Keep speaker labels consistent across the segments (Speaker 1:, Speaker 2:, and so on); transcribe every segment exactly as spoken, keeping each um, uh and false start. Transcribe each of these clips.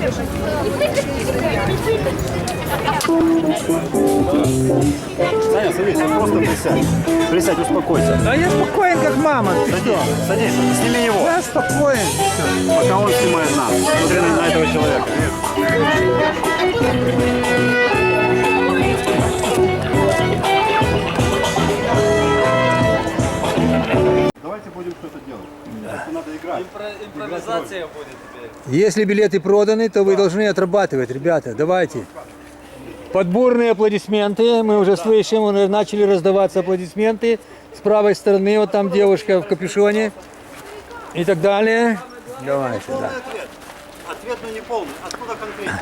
Speaker 1: Саня, садись, просто присядь. Присядь, успокойся.
Speaker 2: Да я спокоен, как мама. Ты
Speaker 1: Садись,
Speaker 2: что?
Speaker 1: садись, сними его.
Speaker 2: Я спокоен.
Speaker 1: Пока он снимает нас. Смотри на, на этого человека. Давайте будем что-то делать. Да. Надо играть.
Speaker 3: Импро- импровизация будет теперь.
Speaker 2: Если билеты проданы, то вы должны отрабатывать, ребята. Давайте. Подборные аплодисменты. Мы уже слышим, уже начали раздаваться аплодисменты. С правой стороны, вот там девушка в капюшоне. И так далее. Давайте,
Speaker 1: Полный
Speaker 2: да.
Speaker 1: ответ. Ответ, но не полный. Откуда конкретно?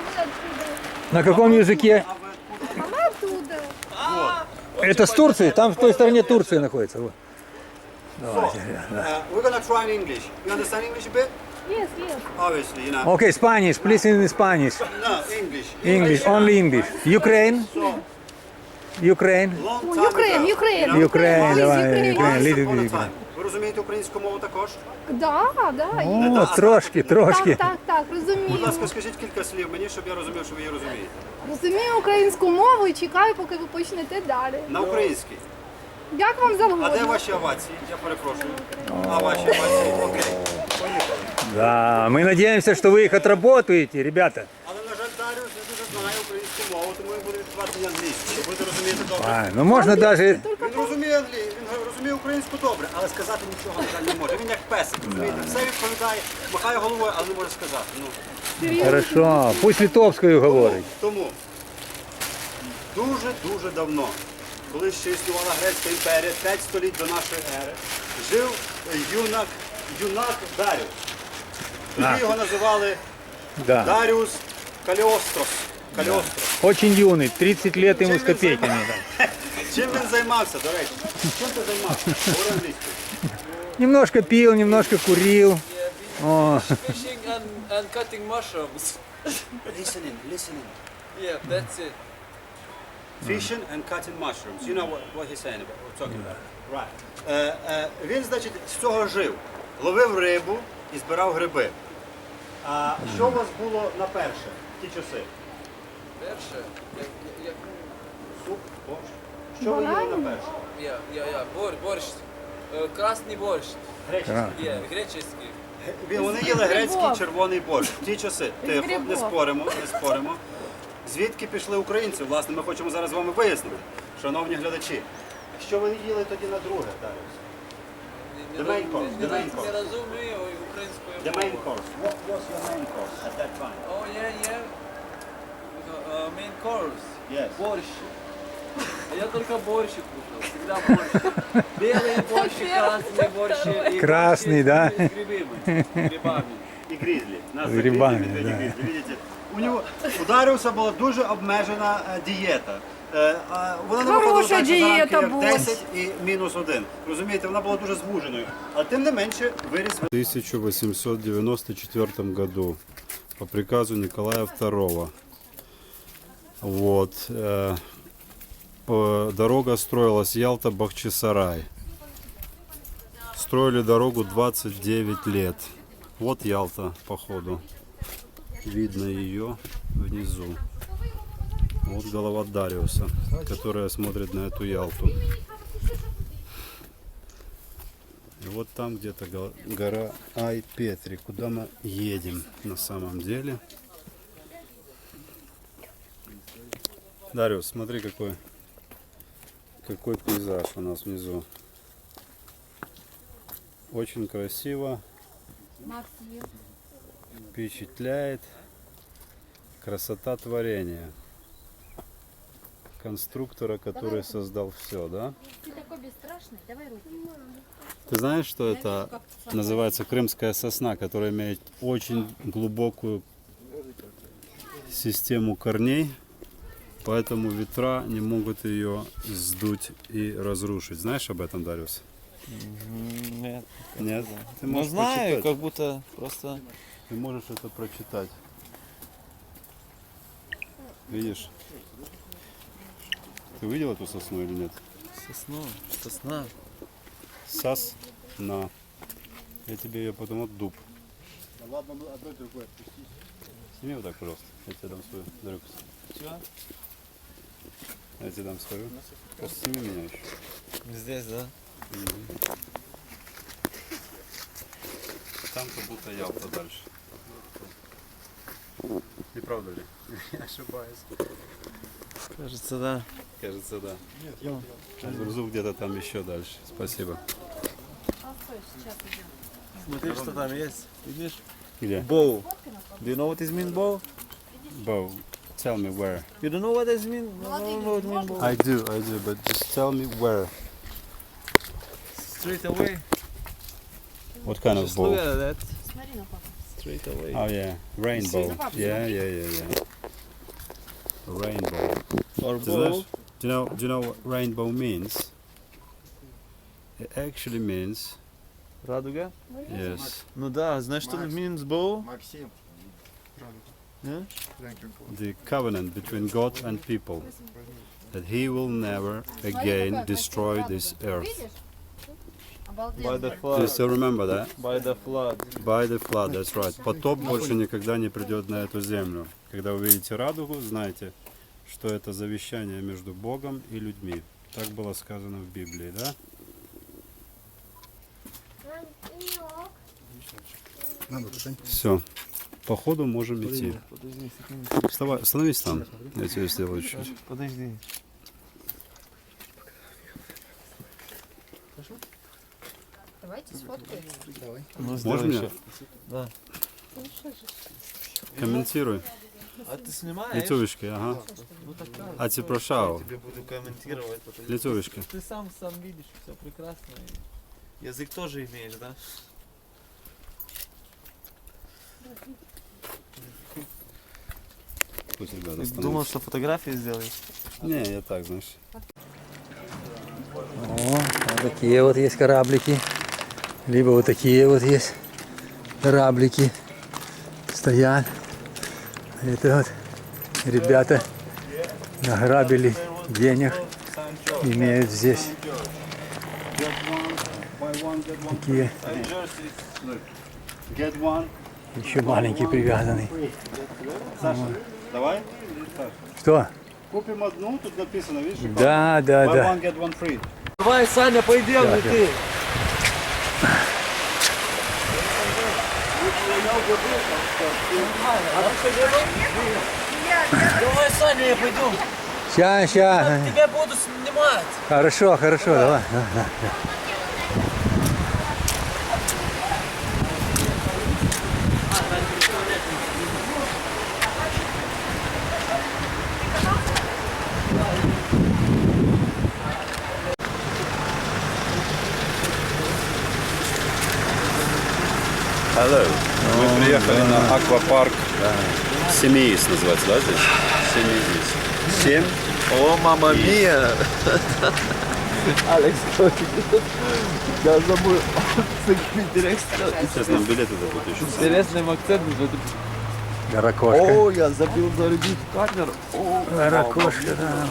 Speaker 2: На каком языке?
Speaker 1: А вы откуда?
Speaker 4: А мы оттуда.
Speaker 2: Это с Турции, там в той стороне Турция находится. Вот. Давайте, да.
Speaker 1: Uh, we're gonna try in English. You understand English a bit?
Speaker 4: Yes, yes.
Speaker 1: Obviously, you know.
Speaker 2: Okay, Spanish, please in Spanish.
Speaker 1: No, English.
Speaker 2: English, only English. Ukraine,
Speaker 1: So,
Speaker 2: Ukraine,
Speaker 1: long time
Speaker 4: Ukraine,
Speaker 1: ago,
Speaker 4: Ukraine.
Speaker 1: you know,
Speaker 2: Ukraine,
Speaker 4: Please,
Speaker 2: давай,
Speaker 4: Ukraine.
Speaker 2: Ukraine,
Speaker 1: once
Speaker 2: little
Speaker 1: upon a
Speaker 2: bit.
Speaker 1: time. Ви розумієте українську мову також?
Speaker 4: Да, да. і-
Speaker 2: О, трошки, трошки.
Speaker 4: Так, так, так,
Speaker 1: Будь
Speaker 4: розумію.
Speaker 1: ласка, скажіть кілька слів мені, щоб я розумів, що ви її розумієте.
Speaker 4: Розумію українську мову і чекаю, поки ви почнете далі.
Speaker 1: На українській.
Speaker 4: Як вам
Speaker 1: А де
Speaker 4: завгодно.
Speaker 1: ваші овації? Я перепрошую. А ваші овації? Окей. Поїхали.
Speaker 2: Да, мы надеемся, что вы их отработаете, ребята.
Speaker 1: Але, на жаль, Даріус не дуже знає українську мову, тому він буде відкривати на англійську. Ви будете розуміти добре.
Speaker 2: А, ну можно даже...
Speaker 1: Він розуміє англійську, він розуміє українську добре, але сказати нічого, на жаль, не може. Він як песик, розумієте? Все відповідає, махає головою, але не може сказати. Ну,
Speaker 2: Хорошо, пусть литовскую говорить.
Speaker 1: Тому дуже-дуже давно, коли ще існувала Грецька імперія, п'ять століть до нашої ери, жив юнак, юнак Даріус. Тоді його називали
Speaker 2: Да.
Speaker 1: Даріус Каліострос. Каліострос.
Speaker 2: Очень юный, тридцать лет ему с копейками. Да.
Speaker 1: Чим він займався, до речі? Чим ти займався? Говори англійською.
Speaker 2: Немножко пил, немножко курил. О,
Speaker 3: Fishing and, and cutting mushrooms.
Speaker 1: Listening, listening.
Speaker 3: Yeah, that's it.
Speaker 1: Fishing and cutting mushrooms. You know what, what he's saying about, what talking about. Right. Е, е, він, значить, з цього жив. Ловив рибу і збирав гриби. А що у вас було на перше в ті часи?
Speaker 3: Перше, як, як,
Speaker 1: Суп, борщ. Що ви їли на перше?
Speaker 3: я, я, я, борщ, борщ. Е, Красний борщ.
Speaker 1: Греческий.
Speaker 3: Є, греческий.
Speaker 1: Він- Вони їли грецький червоний борщ. В ті часи. Тихо, не споримо, не споримо. Звідки пішли українці? Власне, ми хочемо зараз з вами вияснити, шановні глядачі. Що ви їли тоді на друге, Даріус?
Speaker 3: Не-
Speaker 1: The
Speaker 3: не
Speaker 1: main
Speaker 3: роз-
Speaker 1: course,
Speaker 3: не
Speaker 1: the main
Speaker 3: роз-
Speaker 1: course.
Speaker 3: Не розумію українською
Speaker 1: The main
Speaker 3: мовою.
Speaker 1: course. What was your main course at that time?
Speaker 3: Oh, yeah, yeah. Uh, main course.
Speaker 1: Yes.
Speaker 3: Борщ. Я только борщ кушал, всегда борщ. Белый борщ, красный борщ. и
Speaker 2: Красный,
Speaker 3: борщ
Speaker 2: да?
Speaker 3: с грибами. Грибами.
Speaker 1: І грізлі. Нас
Speaker 2: З
Speaker 1: за
Speaker 2: грибами,
Speaker 1: грізлі,
Speaker 2: да.
Speaker 1: грізлі, видите? У нього у Даріуса була дуже обмежена е, дієта. Е, а Вона не виходила
Speaker 4: Хороша
Speaker 1: так, що
Speaker 4: дієта
Speaker 1: зранку як
Speaker 4: була.
Speaker 1: десять і мінус один. Розумієте, вона була дуже звуженою. Але тим не менше виріс.
Speaker 5: В тысяча восемьсот девяносто четвёртом году по приказу Николая второго. Вот. э, по- Дорога строилась Ялта-Бахчисарай. Строили дорогу двадцать девять лет. Вот Ялта, походу. Видно ее внизу. Вот голова Дариуса, которая смотрит на эту Ялту. И вот там где-то го- гора Ай-Петри, куда мы едем на самом деле. Дариус, смотри, какой, какой пейзаж у нас внизу. Очень красиво, впечатляет. Красота творения. Конструктора, который создал все, да?
Speaker 6: Ты такой бесстрашный, давай руки.
Speaker 5: Ты знаешь, что это называется крымская сосна, которая имеет очень глубокую систему корней, поэтому ветра не могут ее сдуть и разрушить. Знаешь об этом, Дариус?
Speaker 3: Нет.
Speaker 5: Нет? Ты
Speaker 3: Ну
Speaker 5: можешь
Speaker 3: знаю,
Speaker 5: прочитать.
Speaker 3: как будто просто...
Speaker 5: Ты можешь это прочитать. Видишь? Ты видел эту сосну или нет?
Speaker 3: Сосну, сосна.
Speaker 5: Сосна. Я тебе ее потом от дуб. Сними вот так, пожалуйста. Я тебе дам свою дрюкс.
Speaker 3: Чего?
Speaker 5: Я тебе дам свою. Просто сними меня еще.
Speaker 3: Здесь, да?
Speaker 5: Там как будто Ялта дальше. Не правда ли? Я ошибаюсь.
Speaker 3: Кажется, да.
Speaker 5: Кажется, да. Нет, Гурзуф где-то там еще дальше. Спасибо.
Speaker 3: Смотри, что там есть. Видишь?
Speaker 5: Где?
Speaker 3: Bow. Do you know what is mean bow?
Speaker 5: Bow. Tell me where.
Speaker 3: You don't know what is mean? No, no, no, what mean bow.
Speaker 5: I do, I do, but just tell me where.
Speaker 3: Straight away.
Speaker 5: What kind of
Speaker 3: Just look
Speaker 5: bow?
Speaker 3: at that.
Speaker 6: Смотри на папу.
Speaker 3: Straight away.
Speaker 5: Oh yeah, rainbow. Yeah, yeah, yeah, yeah. Rainbow.
Speaker 3: Or
Speaker 5: Ты знаешь,
Speaker 3: bow.
Speaker 5: do you know, do you know what rainbow means? It actually means,
Speaker 3: Радуга?
Speaker 5: yes,
Speaker 3: Ну да, знаешь, что means bow?
Speaker 7: Максим.
Speaker 3: Yeah?
Speaker 5: the covenant between God and people. That he will never again destroy this earth.
Speaker 4: Видишь?
Speaker 3: By the
Speaker 5: Do you
Speaker 3: flood.
Speaker 5: still remember that?
Speaker 3: By the flood.
Speaker 5: By the flood, that's right. Потоп больше никогда не придет на эту землю. Когда вы видите радугу, знайте, что это завещание между Богом и людьми. Так было сказано в Библии, да? Все. По ходу можем идти.
Speaker 3: Подожди секунду.
Speaker 5: Вставай, становись там. Я тебе сделаю чуть-чуть.
Speaker 3: Подожди.
Speaker 4: Давайте сфоткаем.
Speaker 3: Ну,
Speaker 5: Можно
Speaker 3: сделай
Speaker 5: мне?
Speaker 3: еще. Да.
Speaker 5: Комментируй.
Speaker 3: А ты снимаешь?
Speaker 5: Лицевочкой, ага.
Speaker 3: Ну так правильно.
Speaker 5: А ти прошав.
Speaker 3: Я тебе буду комментировать. потому что
Speaker 5: Лицевочкой.
Speaker 3: Ты сам сам видишь, все прекрасно. И язык тоже имеешь, да?
Speaker 5: Пусть ребята
Speaker 3: Ты
Speaker 5: становятся.
Speaker 3: думал, что фотографии сделаешь?
Speaker 5: Не, я так, знаешь.
Speaker 2: О, вот такие вот есть кораблики. Либо вот такие вот есть кораблики. Стоят. Это вот ребята награбили денег. Имеют здесь такие
Speaker 5: Get one.
Speaker 2: еще маленький привязанный.
Speaker 5: Саша, давай.
Speaker 2: Что?
Speaker 5: Купим одну, тут написано, видишь?
Speaker 2: Да, да,
Speaker 5: Buy
Speaker 2: да.
Speaker 5: one, get one free.
Speaker 3: Давай, Саня, пойдем,
Speaker 2: Так,
Speaker 3: лети. Давай, Саня, я пойду.
Speaker 2: Ща, ща.
Speaker 3: Тебя буду снимать.
Speaker 2: Хорошо, хорошо, давай. Да, да.
Speaker 5: Hello. Мы приехали на аквапарк Семеис, называется, да, здесь? Семеис. Семь.
Speaker 3: О, мама мия. Алекс, я забыл.
Speaker 5: Сейчас нам билеты дадут еще.
Speaker 3: Интересным акцентом.
Speaker 2: Ракошка.
Speaker 3: О, я забыл зарядить камеру. О,
Speaker 2: Ракошка, да.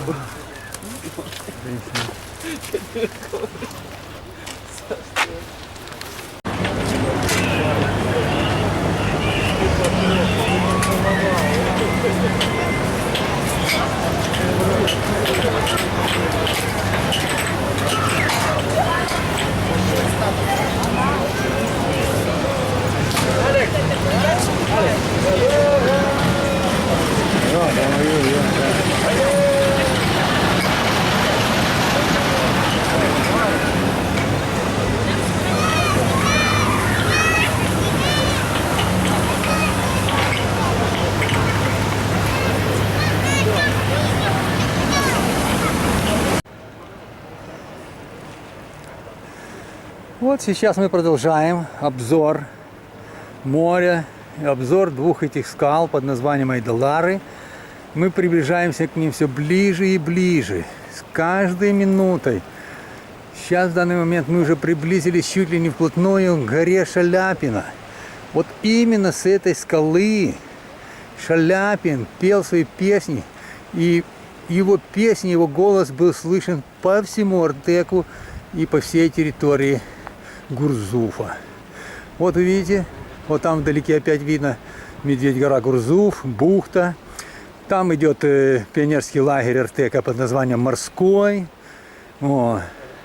Speaker 2: Вот сейчас мы продолжаем обзор моря, обзор двух этих скал под названием Айдалары. Мы приближаемся к ним все ближе и ближе, с каждой минутой. Сейчас в данный момент мы уже приблизились чуть ли не вплотную к горе Шаляпина. Вот именно с этой скалы Шаляпин пел свои песни, и его песни, его голос был слышен по всему Артеку и по всей территории Гурзуфа. Вот вы видите, Вот там вдалеке опять видно Медведь-гора Гурзуф, бухта. Там идет э, пионерский лагерь Артека под названием Морской, о,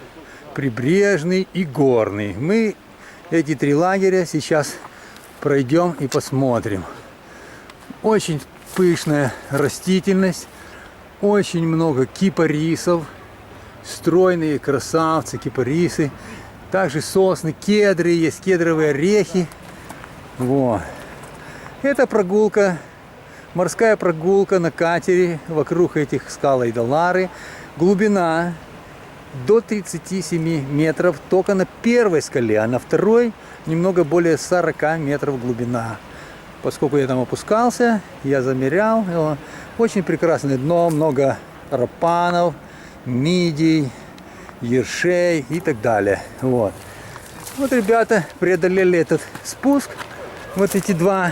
Speaker 2: Прибрежный и Горный. Мы эти три лагеря сейчас пройдем и посмотрим. Очень пышная растительность, очень много кипарисов, стройные красавцы, кипарисы. Также сосны, кедры, есть кедровые орехи. Вот. Это прогулка, морская прогулка на катере вокруг этих скал Айдалары. Глубина до тридцати семи метров только на первой скале, а на второй немного более сорока метров глубина. Поскольку я там опускался, я замерял. Его. Очень прекрасное дно, много рапанов, мидий, ершей и так далее. Вот. Вот ребята преодолели этот спуск, вот эти два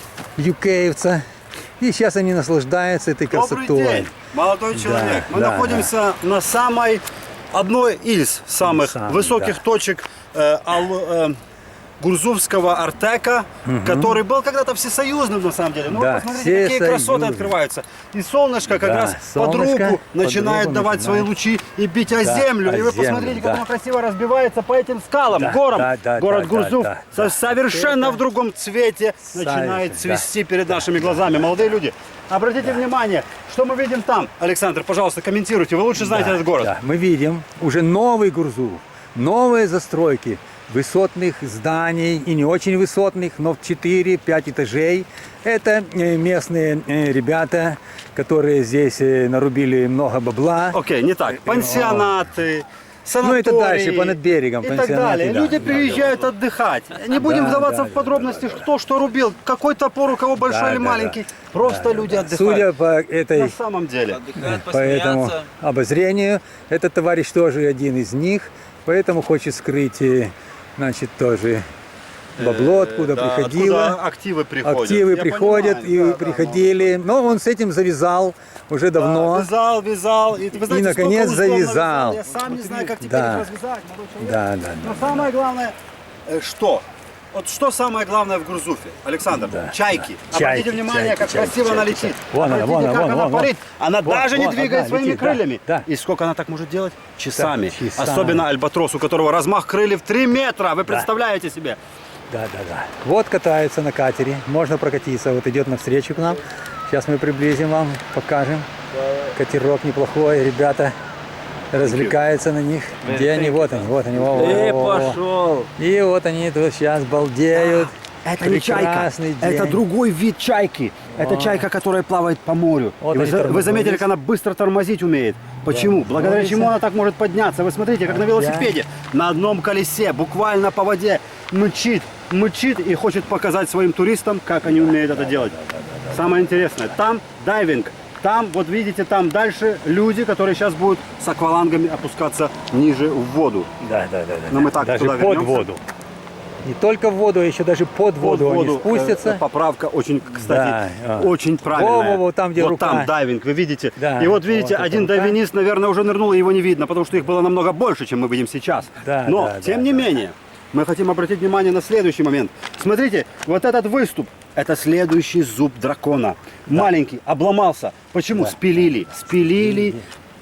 Speaker 2: юкеевца, и сейчас они наслаждаются этой красотой.
Speaker 1: Добрый день, молодой человек.
Speaker 2: Да,
Speaker 1: Мы
Speaker 2: да,
Speaker 1: находимся на самой, одной из самых
Speaker 2: Самый,
Speaker 1: высоких
Speaker 2: да. точек
Speaker 1: точек э, Ал- э, Гурзуфского Артека, который был когда-то всесоюзным на самом деле. Ну
Speaker 2: Да,
Speaker 1: вот посмотрите, какие красоты
Speaker 2: всесоюзный.
Speaker 1: открываются. И солнышко как
Speaker 2: Да,
Speaker 1: раз под
Speaker 2: солнышко
Speaker 1: руку
Speaker 2: под
Speaker 1: начинает
Speaker 2: руку
Speaker 1: давать свои
Speaker 2: начинает.
Speaker 1: лучи и бить о
Speaker 2: Да,
Speaker 1: землю.
Speaker 2: о
Speaker 1: И вы
Speaker 2: землю,
Speaker 1: посмотрите,
Speaker 2: да.
Speaker 1: как оно красиво разбивается по этим скалам,
Speaker 2: Да,
Speaker 1: горам.
Speaker 2: да, да,
Speaker 1: Город
Speaker 2: да,
Speaker 1: Гурзуф
Speaker 2: да,
Speaker 1: со-
Speaker 2: да.
Speaker 1: совершенно
Speaker 2: Это
Speaker 1: в другом цвете начинает
Speaker 2: совершенно, да.
Speaker 1: цвести перед нашими глазами. Молодые люди, обратите внимание, что мы видим там. Александр, пожалуйста, комментируйте. Вы лучше знаете
Speaker 2: Да,
Speaker 1: этот город.
Speaker 2: да. Мы видим уже новый Гурзуф, новые застройки высотных зданий и не очень высотных, но в четыре-пять этажей. Это э, местные э, ребята, которые здесь э, нарубили много бабла.
Speaker 1: Окей, не так. Пансионаты, санатории.
Speaker 2: Ну, это дальше, понад берегом,
Speaker 1: и так
Speaker 2: пансионаты,
Speaker 1: далее.
Speaker 2: да.
Speaker 1: Люди приезжают отдыхать. Не будем
Speaker 2: Да,
Speaker 1: вдаваться
Speaker 2: да,
Speaker 1: в
Speaker 2: да,
Speaker 1: подробности, кто что рубил, какой топор у кого большой
Speaker 2: Да,
Speaker 1: или
Speaker 2: да,
Speaker 1: маленький. Просто люди отдыхают.
Speaker 2: Судя по этой
Speaker 1: На самом деле.
Speaker 3: Отдыхают,
Speaker 2: по этому
Speaker 3: посмеяться.
Speaker 2: обозрению, этот товарищ тоже один из них, поэтому хочет скрыть, э, значит, тоже бабло, откуда
Speaker 1: Э, да,
Speaker 2: приходило.
Speaker 1: откуда активы приходят.
Speaker 2: Активы
Speaker 1: Я
Speaker 2: приходят
Speaker 1: понимаю,
Speaker 2: и
Speaker 1: да, да,
Speaker 2: приходили. Но он с этим завязал уже
Speaker 1: да.
Speaker 2: давно.
Speaker 1: Вязал, вязал. И, вы знаете,
Speaker 2: наконец,
Speaker 1: сколько условно
Speaker 2: завязал.
Speaker 1: вязал. Я сам не знаю, как теперь
Speaker 2: Да.
Speaker 1: их развязать, молодой человек.
Speaker 2: Да, да,
Speaker 1: Но
Speaker 2: да.
Speaker 1: самое главное, э, что? Вот что самое главное в Гурзуфе, Александр?
Speaker 2: Да,
Speaker 1: Чайки.
Speaker 2: да.
Speaker 1: Обратите
Speaker 2: Чайки,
Speaker 1: внимание,
Speaker 2: чайки,
Speaker 1: как
Speaker 2: чайки,
Speaker 1: красиво она
Speaker 2: чайки,
Speaker 1: летит.
Speaker 2: Вон она,
Speaker 1: Обратите,
Speaker 2: вон она,
Speaker 1: как
Speaker 2: вон,
Speaker 1: она
Speaker 2: вон, вон.
Speaker 1: парит. Она
Speaker 2: Вон,
Speaker 1: даже не
Speaker 2: вон,
Speaker 1: двигает
Speaker 2: одна
Speaker 1: своими
Speaker 2: летит, да,
Speaker 1: крыльями.
Speaker 2: да.
Speaker 1: И сколько она так может делать? Часами.
Speaker 2: часами.
Speaker 1: Особенно альбатрос, у которого размах крыльев три метра. Вы представляете себе?
Speaker 2: Да, да, да. Вот катаются на катере. Можно прокатиться. Вот идет навстречу к нам. Сейчас мы приблизим вам, покажем. Катерок неплохой. Ребята развлекаются на них. Где они? Вот они, вот они. Во, во,
Speaker 3: Э,
Speaker 2: во, во.
Speaker 3: пошел!
Speaker 2: И вот они тут сейчас балдеют.
Speaker 1: Это не чайка,
Speaker 2: Прекрасный день.
Speaker 1: это другой вид чайки. Это чайка, которая плавает по морю.
Speaker 2: Вот
Speaker 1: И вы,
Speaker 2: они
Speaker 1: за- вы
Speaker 2: тормозят.
Speaker 1: заметили, как она быстро тормозить умеет. Почему? Благодаря
Speaker 2: Тормозится.
Speaker 1: чему она так может подняться? Вы смотрите, как на велосипеде, на одном колесе, буквально по воде, мчит, мчит и хочет показать своим туристам, как они умеют это делать. Самое интересное, там дайвинг. Там, вот видите, там дальше люди, которые сейчас будут с аквалангами опускаться ниже в воду.
Speaker 2: Да, да, да, да.
Speaker 1: Но мы так
Speaker 2: даже
Speaker 1: туда
Speaker 2: под
Speaker 1: вернемся.
Speaker 2: воду. Не только в воду, а еще даже под воду,
Speaker 1: Под
Speaker 2: они
Speaker 1: воду,
Speaker 2: спустятся.
Speaker 1: э, поправка очень, кстати,
Speaker 2: Да, а.
Speaker 1: очень правильная.
Speaker 2: Во-во-во, там, где
Speaker 1: вот
Speaker 2: рука.
Speaker 1: там дайвинг, вы видите.
Speaker 2: Да,
Speaker 1: и вот видите,
Speaker 2: вот эта
Speaker 1: один
Speaker 2: рука.
Speaker 1: дайвинист, наверное, уже нырнул, и его не видно, потому что их было намного больше, чем мы видим сейчас.
Speaker 2: Да,
Speaker 1: Но,
Speaker 2: да,
Speaker 1: тем
Speaker 2: да,
Speaker 1: не
Speaker 2: да.
Speaker 1: менее, мы хотим обратить внимание на следующий момент. Смотрите, вот этот выступ, это следующий зуб дракона. Маленький, обломался. Почему? Спилили. Спилили.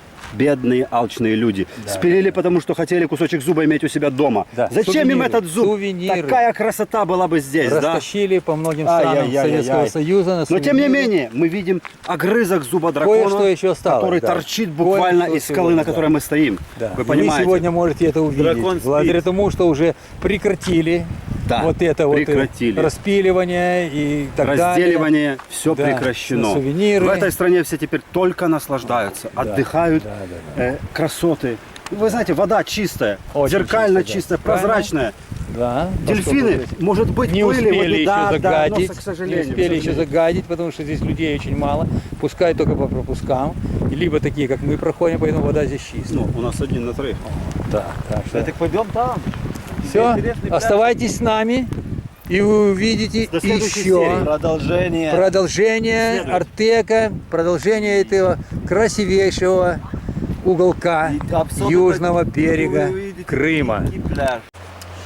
Speaker 1: Бедные алчные люди. Спилили, потому что хотели кусочек зуба иметь у себя дома.
Speaker 2: Да.
Speaker 1: Зачем им
Speaker 2: Сувениры,
Speaker 1: этот зуб?
Speaker 2: сувениры.
Speaker 1: Такая красота была бы здесь, да?
Speaker 2: Растащили по многим странам
Speaker 1: Ай-яй-яй-яй.
Speaker 2: Советского Союза. На
Speaker 1: Но тем не
Speaker 2: сувениры.
Speaker 1: менее, мы видим огрызок зуба дракона,
Speaker 2: Кое-что еще осталось,
Speaker 1: который
Speaker 2: да.
Speaker 1: торчит буквально
Speaker 2: Кое-что
Speaker 1: из скалы,
Speaker 2: сегодня,
Speaker 1: на которой
Speaker 2: да.
Speaker 1: мы стоим.
Speaker 2: Да.
Speaker 1: Вы
Speaker 2: И
Speaker 1: понимаете?
Speaker 2: Вы сегодня можете это увидеть.
Speaker 3: Дракон спит.
Speaker 2: Благодаря тому, что уже прекратили
Speaker 1: Да,
Speaker 2: вот это
Speaker 1: прекратили.
Speaker 2: вот распиливание и так далее.
Speaker 1: Разделивание, все
Speaker 2: Да,
Speaker 1: прекращено.
Speaker 2: на сувениры.
Speaker 1: В этой стране все теперь только наслаждаются, отдыхают,
Speaker 2: да, да,
Speaker 1: э, красоты. Вы знаете, вода чистая,
Speaker 2: Очень
Speaker 1: зеркально
Speaker 2: чистая, да.
Speaker 1: чистая,
Speaker 2: Правильно.
Speaker 1: прозрачная.
Speaker 2: Да,
Speaker 1: Дельфины,
Speaker 2: поскольку
Speaker 1: может быть,
Speaker 2: не
Speaker 1: были,
Speaker 2: успели
Speaker 1: вот,
Speaker 2: еще
Speaker 1: да, да,
Speaker 2: загадить,
Speaker 1: но, к
Speaker 2: не
Speaker 1: сожалению,
Speaker 2: успели
Speaker 1: к
Speaker 2: еще
Speaker 1: сожалению.
Speaker 2: загадить, потому что здесь людей очень мало, пускай только по пропускам, либо такие, как мы проходим, поэтому вода здесь чистая.
Speaker 1: Ну, у нас один на троих.
Speaker 2: Да, так что
Speaker 3: Так пойдем там.
Speaker 2: все,
Speaker 3: интересный пляж.
Speaker 2: оставайтесь с нами, и вы увидите
Speaker 1: До следующей
Speaker 2: еще
Speaker 1: серии.
Speaker 3: Продолжение.
Speaker 2: продолжение
Speaker 1: Следует.
Speaker 2: Артека, продолжение этого красивейшего уголка
Speaker 3: И особенно
Speaker 2: южного
Speaker 3: вы
Speaker 2: берега
Speaker 3: увидите
Speaker 2: Крыма.
Speaker 3: дикий пляж.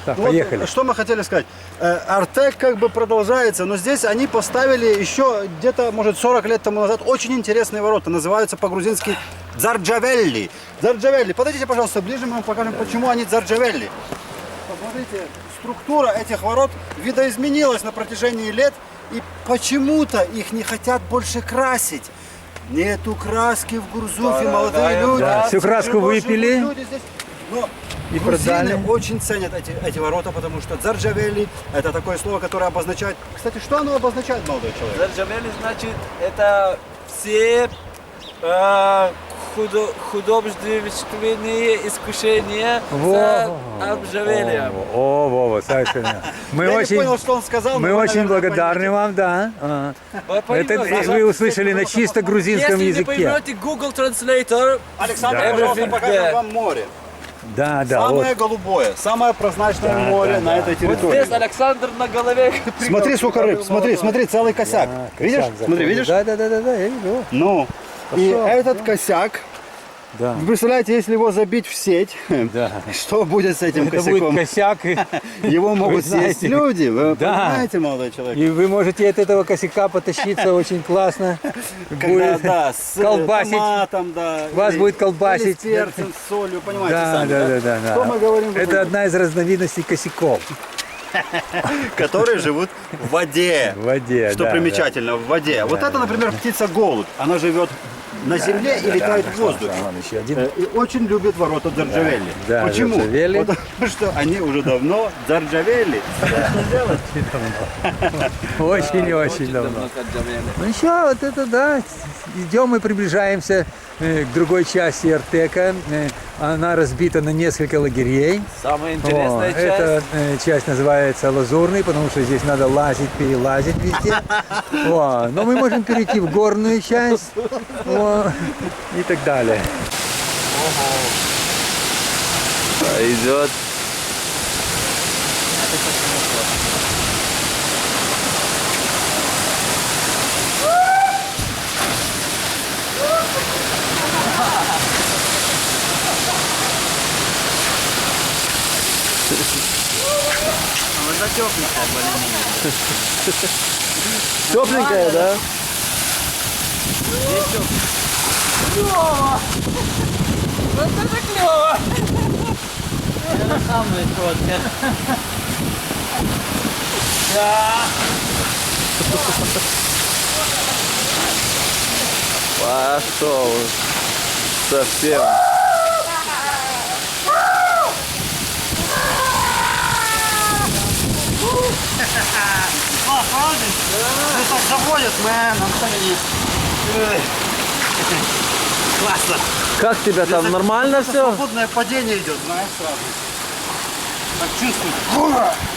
Speaker 2: Так,
Speaker 1: Ну вот,
Speaker 2: поехали.
Speaker 1: что мы хотели сказать. Э, Артек как бы продолжается, но здесь они поставили еще где-то, может, сорок лет тому назад очень интересные ворота. Называются по-грузински Дзарджавелли. Дзарджавелли. Подойдите, пожалуйста, ближе, мы вам покажем, почему они Дзарджавелли. Посмотрите, структура этих ворот видоизменилась на протяжении лет, и почему-то их не хотят больше красить. Нету краски в Гурзуфе, молодые люди.
Speaker 2: Да, всю краску
Speaker 1: живут
Speaker 2: выпили.
Speaker 1: люди здесь. Но
Speaker 2: И
Speaker 1: грузины
Speaker 2: продали.
Speaker 1: очень ценят эти, эти ворота, потому что Дзарджавели – это такое слово, которое обозначает… Кстати, что оно обозначает, молодой человек?
Speaker 3: Зарджавели, значит, это все э, худо, художественные искушения за обжавелием.
Speaker 2: О, Вова, совершенно. Мы
Speaker 1: Я
Speaker 2: очень,
Speaker 1: не понял, что он сказал,
Speaker 2: мы
Speaker 1: но вы,
Speaker 2: очень
Speaker 1: наверное,
Speaker 2: благодарны
Speaker 1: поймете.
Speaker 2: вам, да. А.
Speaker 3: Вы
Speaker 2: Это
Speaker 3: поймете.
Speaker 2: вы услышали на чисто грузинском
Speaker 3: Если не
Speaker 2: языке.
Speaker 3: поймете Google Translator,
Speaker 1: Александр,
Speaker 3: Да.
Speaker 1: пожалуйста,
Speaker 3: Everything
Speaker 1: покажем
Speaker 3: there.
Speaker 1: вам море.
Speaker 2: Да, да, вот.
Speaker 1: Самое голубое, самое прозрачное
Speaker 2: Да,
Speaker 1: море
Speaker 2: да,
Speaker 1: на
Speaker 2: да.
Speaker 1: этой
Speaker 3: вот
Speaker 1: территории.
Speaker 3: здесь Александр на голове.
Speaker 1: Смотри, сколько рыб, смотри, смотри, целый косяк.
Speaker 2: А,
Speaker 1: Видишь?
Speaker 2: косяк
Speaker 1: Смотри,
Speaker 2: заходит.
Speaker 1: видишь?
Speaker 2: Да, да, да, да, да, я вижу.
Speaker 1: Ну, и
Speaker 2: Пошел,
Speaker 1: этот косяк,
Speaker 2: Да.
Speaker 1: вы представляете, если его забить в сеть,
Speaker 2: Да.
Speaker 1: что будет с этим
Speaker 2: Это будет
Speaker 1: косяком?
Speaker 2: косяк, и,
Speaker 1: Его могут съесть
Speaker 2: знаете,
Speaker 1: люди, вы
Speaker 2: да.
Speaker 1: понимаете, молодой человек?
Speaker 2: и вы можете от этого косяка потащиться очень классно.
Speaker 1: Когда,
Speaker 2: Будет
Speaker 1: да, с э,
Speaker 2: колбасить.
Speaker 1: томатом, да.
Speaker 2: Вас
Speaker 1: или-
Speaker 2: будет колбасить.
Speaker 1: или с перцем, с солью, понимаете
Speaker 2: Да,
Speaker 1: сами,
Speaker 2: да, да, да, да.
Speaker 1: Что мы говорим? в
Speaker 2: Это
Speaker 1: этом?
Speaker 2: одна из разновидностей косяков
Speaker 1: Которые живут в воде.
Speaker 2: в воде.
Speaker 1: Что
Speaker 2: да,
Speaker 1: примечательно, в воде. Вот это, например, птица-голубь. Она живет на земле и летает в воздухе.
Speaker 2: Да, вон еще один.
Speaker 1: Э, И очень любит ворота Дзарджавели.
Speaker 2: Да,
Speaker 1: Почему?
Speaker 2: Дзарджавели.
Speaker 1: Потому что они уже давно Дзарджавели. Что делать?
Speaker 2: Очень-очень давно. Ну еще вот это да, идем и приближаемся э, к другой части Артека. Э, Она разбита на несколько лагерей.
Speaker 3: Самая
Speaker 2: О,
Speaker 3: интересная часть.
Speaker 2: эта э, часть называется Лазурный, потому что здесь надо лазить, перелазить везде. О, но мы можем перейти в горную часть о, и так далее.
Speaker 3: Идет. Тепленькая, да? Пошел. Совсем.
Speaker 1: Ты так заводит, мэн. Классно.
Speaker 3: Как тебя там? Нормально все?
Speaker 1: Свободное падение идет, знаешь, сразу. Так чувствуешь.